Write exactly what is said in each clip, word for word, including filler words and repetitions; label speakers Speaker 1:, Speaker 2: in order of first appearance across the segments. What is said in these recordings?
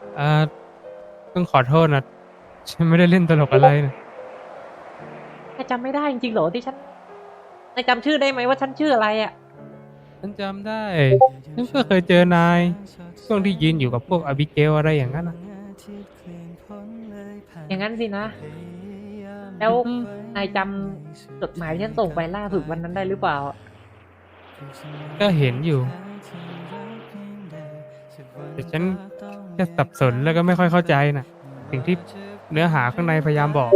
Speaker 1: อ่าต้องขอโทษนะฉันไม่ได้เล่นตลกอะไรนะ
Speaker 2: นายจำไม่ได้จริงๆเหรอที่ฉันนายจำชื่อได้ไหมว่าฉันชื่ออะไรอ่ะ
Speaker 1: ฉันจำได้ฉันก็เคยเจอนายช่วงที่ยืนอยู่กับพวกอบิเกลอะไรอย่างนั้นนะ
Speaker 2: อย่างนั้นสินะ แล้วนายจำจดหมายที่ฉันส่งไปล่าสุดวันนั้นได้หรือเปล่า
Speaker 1: ก็เห็นอยู่ แต่ฉันแค่สับสนแล้วก็ไม่ค่อยเข้าใจนะสิ่งที่เนื้อหาข้างในพยายามบอก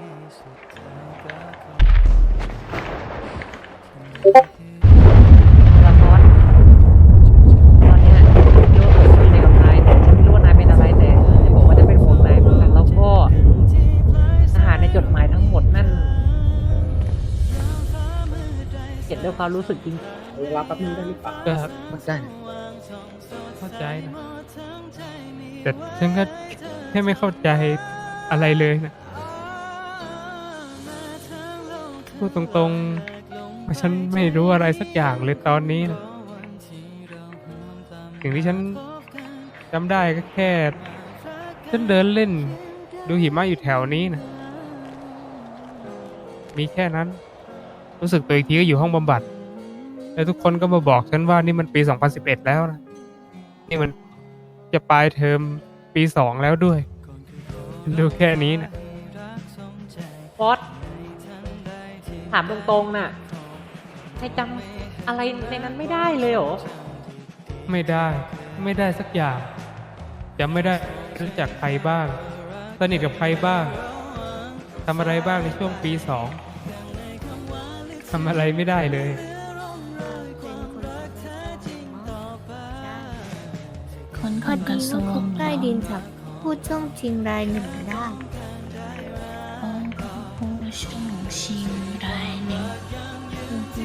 Speaker 2: ละครตอนเนี้ยฉันไม่รู้ว่าเกิดอะไรกับนายแต่ฉันไม่รู้ว่านายเป็นอะไรแต่ฉันบอกว่าจะเป็นห่วงนายเหมือนกันแล้วก็อาหารในจดหมายทั้งหมดนั่นเขียนด้วยความรู้สึกจริง
Speaker 3: เวลาแป๊บนึงได้หรือเปล่า
Speaker 1: ก็
Speaker 3: ไม่ได้นะ
Speaker 1: เข้าใจนะแต่ฉันก็แค่ไม่เข้าใจอะไรเลยนะพูดตรงๆว่าฉันไม่รู้อะไรสักอย่างเลยตอนนี้นะสิ่งที่ฉันจำได้ก็แค่ฉันเดินเล่นดูหิมะอยู่แถวนี้นะมีแค่นั้นรู้สึกตัวอีกทีก็อยู่ห้องบำบัดแล้วทุกคนก็มาบอกฉันว่านี่มันปีสองพันสิบเอ็ดแล้วนะนี่มันจะปลายเทอมปีสองแล้วด้วยดูแค่นี้นะ
Speaker 2: ฟอสถามตรงๆน่ะนายจำอะไรในนั้นไม่ได้เลยเหรอ
Speaker 1: ไม่ได้ไม่ได้สักอย่างจำไม่ได้รู้จักใครบ้างสนิทกับใครบ้างทำอะไรบ้างในช่วงปีสองทำอะไรไม่ได้เลย
Speaker 4: คน
Speaker 5: พ
Speaker 4: ข
Speaker 5: อ
Speaker 4: องก
Speaker 5: ดี
Speaker 4: ระทร
Speaker 5: ว่าว คุ
Speaker 4: ง
Speaker 5: กใต้ดินจับพูดช่องชิงรายหนึ่งได้
Speaker 4: ผู้ช่องชิงรายหนึ่ง
Speaker 5: อือฮึ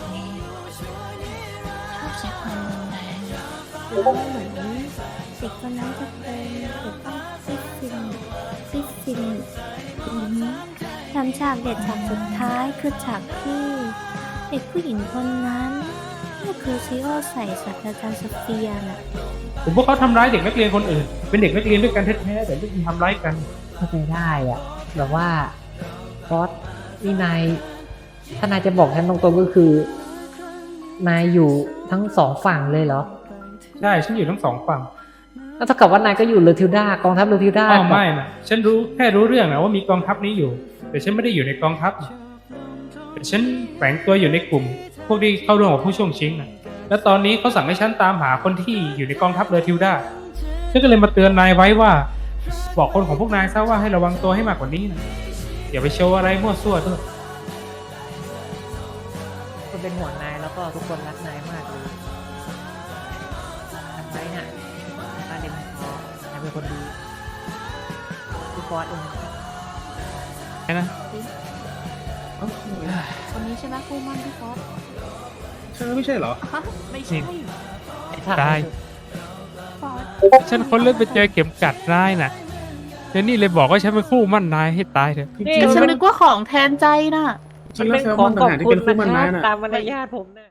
Speaker 4: ชอบใช้ความรุนแรง
Speaker 5: แล้วเหมือนเด็กคนนั้นจะเป็นเด็กต้องฟิสซินฟิสซินอือฮึทำฉากเด็ดฉากสุดท้ายคือฉากที่เด็กผู้หญิงคนนั้นก็คือซิโอใส่ศาสตราจารย์โซเฟียน่ะ
Speaker 1: ผมว่าเขาทำร้ายเด็กนักเรียนคนอื่น เป็นเด็กนักเรียนด้วยกันแท้ๆแต่ไม่ทำร้ายกัน
Speaker 2: เข้าใจได้อะแบบว่าฟอสนี่นายถ้านายจะบอกฉันตรงๆก็คือ นายอยู่ทั้งสองฝั่งเลยเหรอ
Speaker 1: ใช่ฉันอยู่ทั้งสองฝั่ง
Speaker 2: แล้วเท่ากับว่านายก็อยู่เรือทิวดากองทัพเรือทิวดา
Speaker 1: อ้าวไม่นะฉันรู้แค่รู้เรื่องนะว่ามีกองทัพนี้อยู่ แต่ฉันไม่ได้อยู่ในกองทัพแต่ฉันแฝงตัวอยู่ในกลุ่ม พวกที่เข้าร่วมกับผู้ช่วงชิงนะแล้วตอนนี้เขาสั่งให้ฉันตามหาคนที่อยู่ในกองทัพเรือทิวดาฉันก็เลยมาเตือนนายไว้ว่า บอกคนของพวกนายซะว่าให้ระวังตัวให้มากกว่านี้นะอย่าไปโชว์อะไรมั่วซั่วด้วย
Speaker 2: คนเป็นห่วงนายแล้วก็ทุกคนรักนายมากเลยจำไว้น่ะนายเป็นฟอสนายเป็นคนดีคือฟอสเอง
Speaker 1: ใช่นะ
Speaker 5: คนนี้ใช่ไหมคู่มั่นพี่ฟอส
Speaker 3: ใช่ไม่ใช่เหรอ
Speaker 5: ฮะไม่ใช่
Speaker 1: ได้
Speaker 5: ฟอส
Speaker 1: ฉันคนเล่นไปเจอเข็มกัดนายน่ะเดี๋ยวนี่เลยบอกว่าฉันเป็นคู่มั่นนายให้ตายเถอะ
Speaker 2: นี่
Speaker 4: ฉัน
Speaker 2: มัน
Speaker 4: นึกว่าของแทนใจน่ะ
Speaker 3: จริงแล้วแซลมอนต่างหากที่เป็นคู่มันนายน่ะ
Speaker 2: ตามมารยาทผมน่ะ